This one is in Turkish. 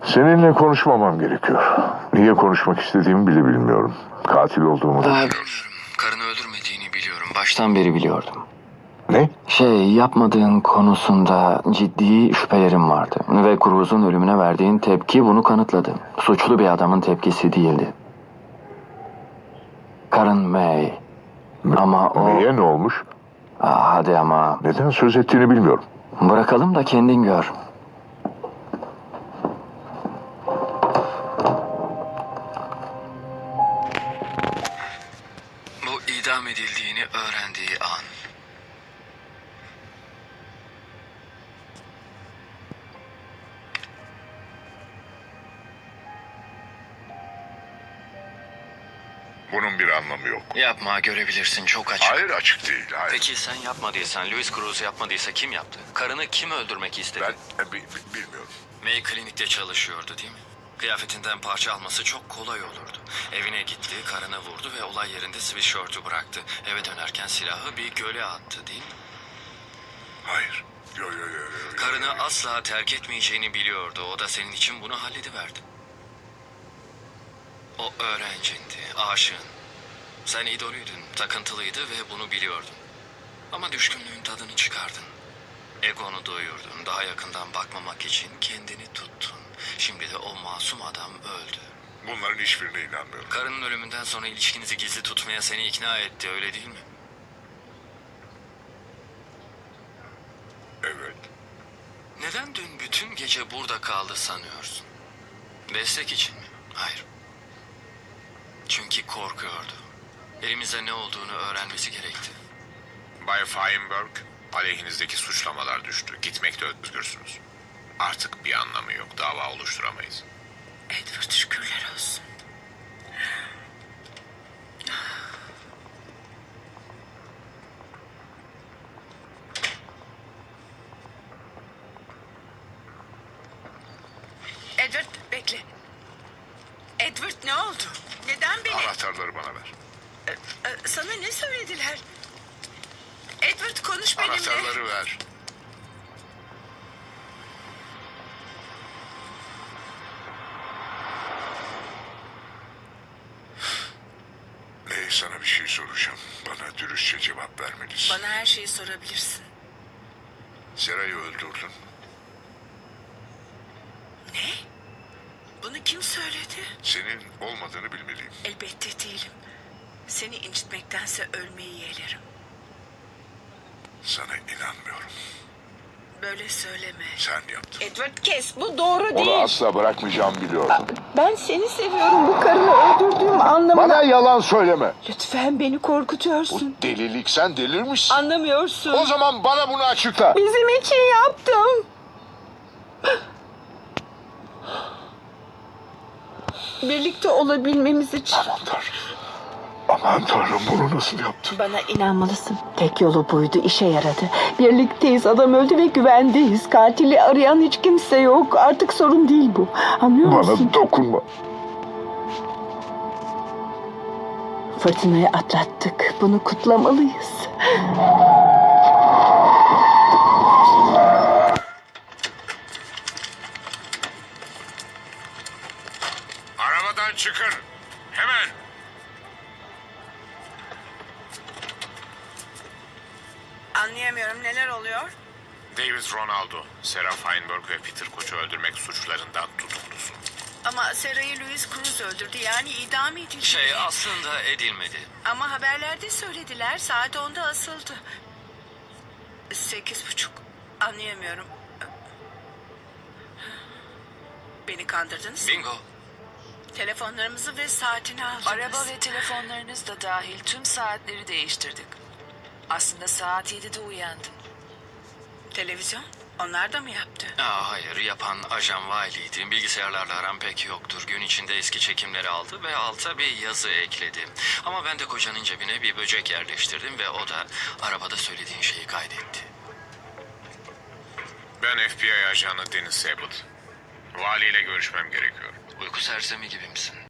Seninle konuşmamam gerekiyor. Niye konuşmak istediğimi bile bilmiyorum. Katil olduğumu da Bilmiyorum. Karını öldürmediğini biliyorum. Baştan beri biliyordum. Ne? Yapmadığın konusunda ciddi şüphelerim vardı. Ve Cruz'un ölümüne verdiğin tepki bunu kanıtladı. Suçlu bir adamın tepkisi değildi. Karın May. Ama o... Neye ne olmuş? Hadi ama... Neden söz ettiğini bilmiyorum. Bırakalım da kendin gör. Bu idam edildiğini öğrendiği an. Bunun bir anlamı yok. Yapma, görebilirsin, çok açık. Hayır, açık değil. Hayır. Peki sen yapmadıysan, Louis Cruz yapmadıysa kim yaptı? Karını kim öldürmek istedi? Ben bilmiyorum. May klinikte çalışıyordu değil mi? Kıyafetinden parça alması çok kolay olurdu. Evine gitti, karını vurdu ve olay yerinde sweatshirt'ü bıraktı. Eve dönerken silahı bir göle attı değil mi? Hayır. Yo. Karını asla terk etmeyeceğini biliyordu. O da senin için bunu hallediverdi. O öğrencindi, aşığın. Sen idolüydün, takıntılıydı ve bunu biliyordun. Ama düşkünlüğün tadını çıkardın. Egonu doyurdun, daha yakından bakmamak için kendini tuttun. Şimdi de o masum adam öldü. Bunların hiçbirine inanmıyorum. Karının ölümünden sonra ilişkinizi gizli tutmaya seni ikna etti, öyle değil mi? Evet. Neden dün bütün gece burada kaldı sanıyorsun? Destek için mi? Hayır. Çünkü korkuyordu. Elimizde ne olduğunu öğrenmesi gerekti. Bay Feinberg, aleyhinizdeki suçlamalar düştü. Gitmekte özgürsünüz. Artık bir anlamı yok. Dava oluşturamayız. Edward şükürler olsun. Edward bekle. Edward ne oldu? Neden beni... Anahtarları bana ver. Sana ne söylediler? Edward konuş benimle. Anahtarları ver. Sana bir şey soracağım. Bana dürüstçe cevap vermelisin. Bana her şeyi sorabilirsin. Sera'yı öldürdün. Ne? Bunu kim söyledi? Senin olmadığını bilmeliyim. Elbette değilim. Seni incitmektense ölmeyi yeğlerim. Sana inanmıyorum. Böyle söyleme. Sen yaptın. Edward kes, bu doğru Onu değil. asla bırakmayacağımı biliyordum. Ben seni seviyorum, bu karını öldürdüğüm anlamına... Bana yalan söyleme. Lütfen beni korkutuyorsun. Bu delilik, sen delirmişsin. Anlamıyorsun. O zaman bana bunu açıkla. Bizim için yaptım. Birlikte olabilmemiz için. Aman Tanrım. Aman Tanrım, bunu nasıl yaptın? Bana inanmalısın. Tek yolu buydu, işe yaradı. Birlikteyiz, adam öldü ve güvendeyiz. Katili arayan hiç kimse yok. Artık sorun değil bu. Anlıyor musun? Bana dokunma. Fırtınayı atlattık. Bunu kutlamalıyız. Arabadan çıkın. Hemen. Anlayamıyorum, neler oluyor? David Ronaldo, Sarah Feinberg ve Peter Koç'u öldürmek suçlarından tutuklusun. Ama Sarah'ı Louis Cruz öldürdü, yani idam edildi. Aslında edilmedi. Ama haberlerde söylediler, saat 10'da asıldı. 8:30. Anlayamıyorum. Beni kandırdınız. Bingo. Telefonlarımızı ve saatini aldınız. Araba ve telefonlarınız da dahil tüm saatleri değiştirdik. Aslında saat 7'de uyandın. Televizyon? Onlar da mı yaptı? Hayır, yapan Ajan Wiley'di. Bilgisayarlarla aram pek yoktur. Gün içinde eski çekimleri aldı ve alta bir yazı ekledi. Ama ben de kocanın cebine bir böcek yerleştirdim ve o da arabada söylediğin şeyi kaydetti. Ben FBI ajanı Dennis Abbott. Valiyle görüşmem gerekiyor. Uyku sersemi gibi misin?